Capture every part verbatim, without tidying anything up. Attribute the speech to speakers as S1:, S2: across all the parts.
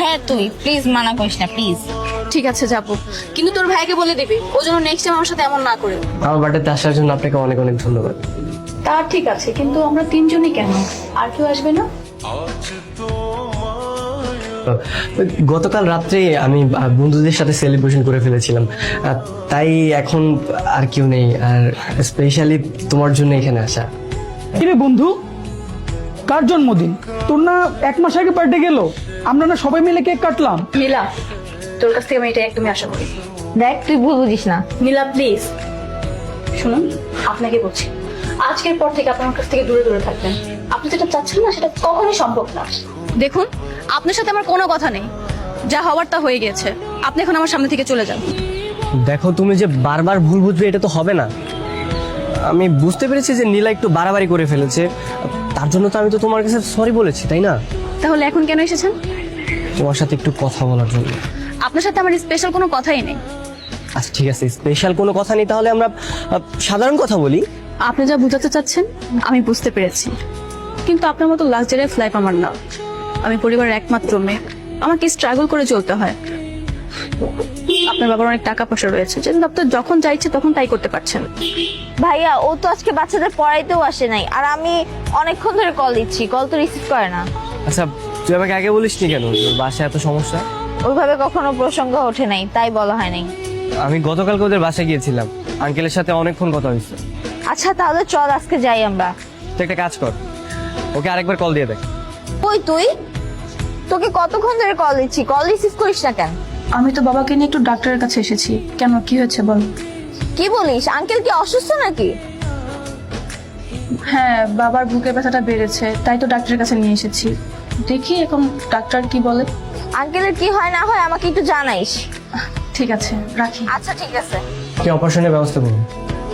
S1: হ্যাঁ তুই প্লিজ মানা করিস না প্লিজ।
S2: ঠিক আছে যাবো, কিন্তু তোর ভাইকে বলে দিবি ও যেন নেক্সট টাইম আমার সাথে এমন না করে।
S3: আমার বাড়িতে আসার জন্য আপনাকে অনেক অনেক ধন্যবাদ।
S2: তা ঠিক আছে, কিন্তু আমরা তিনজনই কেন, আর কেউ আসবে না?
S3: গতকাল রাত্রে আমি বন্ধুদের সাথে সেলিব্রেশন করে ফেলেছিলাম, আহ, তাই এখন আর কেউ নেই, আর স্পেশালি তোমার জন্য এখানে আসা।
S4: কিরে বন্ধু, কার জন্মদিন? তোর না এক মাস আগে বার্থডে গেল, আমরা না সবাই মিলে কেক কাটলাম।
S2: নীলা, তোর কাছ থেকে আমি এটা একদমই আশা করি।
S1: দেখ তুই ভুল বুঝিস না।
S2: নীলা প্লিজ শুনুন, আপনাকে বলছি আজকের পর থেকে আপনার কাছ থেকে দূরে দূরে থাকবেন। আপনি যেটা চাচ্ছেন না সেটা কখনোই সম্ভব না। দেখুন, আপনার সাথে আমার কোনো কথা নেই, যা হওয়ার তা হয়ে গেছে। আপনি এখন আমার সামনে থেকে চলে যান।
S3: দেখো তুমি যে বারবার ভুল বুঝবে এটা তো হবে না। আমি বুঝতে পেরেছি যে নীলা একটু বাড়াবাড়ি করে ফেলেছে, তার জন্য তো আমি তো তোমার কাছে সরি বলেছি, তাই না?
S2: তাহলে এখন কেন এসেছেন?
S3: তোমার সাথে একটু কথা বলার জন্য।
S2: আপনার সাথে আমার স্পেশাল কোনো কথাই নেই।
S3: আচ্ছা ঠিক আছে, স্পেশাল কোনো কথা নেই, তাহলে আমরা আহ, সাধারণ কথা বলি।
S2: আপনি যা বুঝাতে চাচ্ছেন আমি বুঝতে পেরেছি, কিন্তু আপনার মতো লাক্সারিয়াস লাইফ আমার না। আমি পরিবারের একমাত্র মেয়ে, আমাকে স্ট্রাগল করে চলতে হয়। আপনার বাবার অনেক টাকা পয়সা রয়েছে, যেন আপনার যখন যা ইচ্ছে তখন তাই করতে পারছেন।
S1: ভাইয়া ও তো আজকে বাচ্চাদের পড়াইতেও আসে নাই, আর আমি অনেকক্ষণ ধরে কল দিচ্ছি, কল তো রিসিভ করে না।
S3: আচ্ছা তুই আমাকে আগে বলিস নি কেন তোর বাসায় এত সমস্যা?
S1: ওইভাবে কখনো প্রসঙ্গ ওঠে নাই, তাই বলা হয় নাই।
S3: আমি গতকালকে ওদের বাসায় গিয়েছিলাম, আঙ্কেলের সাথে অনেকক্ষণ কথা হয়েছে।
S1: আচ্ছা তাহলে চল আজকে যাই আমরা।
S3: তুই একটা কাজ কর, ওকে আরেকবার কল দিয়ে দেখ।
S1: ওই তুই, তোকে কতক্ষণ ধরে কল দিচ্ছি, কল রিসিভ করিস না কেন?
S2: আমি তো বাবাকে নিয়ে একটু ডাক্তারের কাছে এসেছি। কেন, কি হয়েছে বল?
S1: কি বলিস, আঙ্কেল কি অসুস্থ নাকি?
S2: হ্যাঁ, বাবার বুকের ব্যথাটা বেড়েছে, তাই তো ডাক্তারের কাছে নিয়ে এসেছি। দেখি এখন ডাক্তার কি বলে।
S1: আঙ্কেলের কি হয় না হয় আমাকে একটু জানাইস।
S2: ঠিক আছে, রাখি।
S1: আচ্ছা ঠিক আছে।
S3: কি অপারেশনের ব্যবস্থা করুন।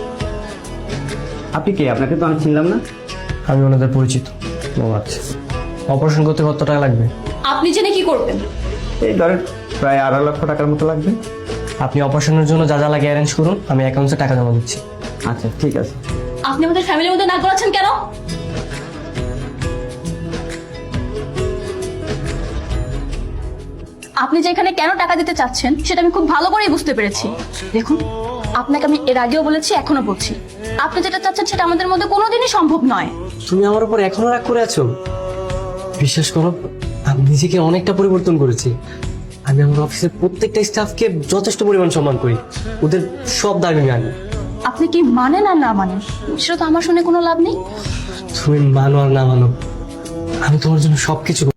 S5: আপনি কে? আপনাকে তো আমি চিনলাম না।
S3: আমি ওনাদের পরিচিত। ও আচ্ছা, অপারেশন করতে কত টাকা লাগবে?
S2: আপনি জেনে কি করবেন?
S5: এই ধরেন প্রায় আড়াই লক্ষ টাকার মতো লাগবে।
S3: আপনি অপারেশনের জন্য যা যা লাগে অ্যারেঞ্জ করুন, আমি অ্যাকাউন্টে টাকা জমা দিচ্ছি।
S5: আচ্ছা ঠিক আছে।
S2: আপনি আমাদের ফ্যামিলির মধ্যে নাক গলাচ্ছেন কেন? আপনি যে এখানে কেন টাকা দিতে চাচ্ছেন সেটা আমি খুব ভালো করেই বুঝতে পেরেছি। দেখুন, আপনাকে আমি এর আগেও বলেছি, এখনো বলছি, আপনি যেটা চাচ্ছেন সেটা আমাদের মধ্যে কোনোদিনই সম্ভব নয়।
S3: তুমি আমার উপর এখনো রাগ করে আছো? বিশ্বাস করো, আমি নিজেকে অনেকটা পরিবর্তন করেছি। আমি আমার অফিসের প্রত্যেকটা স্টাফকে যথেষ্ট পরিমাণ সম্মান করি, ওদের সব দাবি আমি আনি।
S2: আপনি কি মানেন আর না মানেন সেটা তো আমার শুনে কোনো লাভ নেই।
S3: তুমি মানো আর না মানো, আমি তোমার জন্য সবকিছু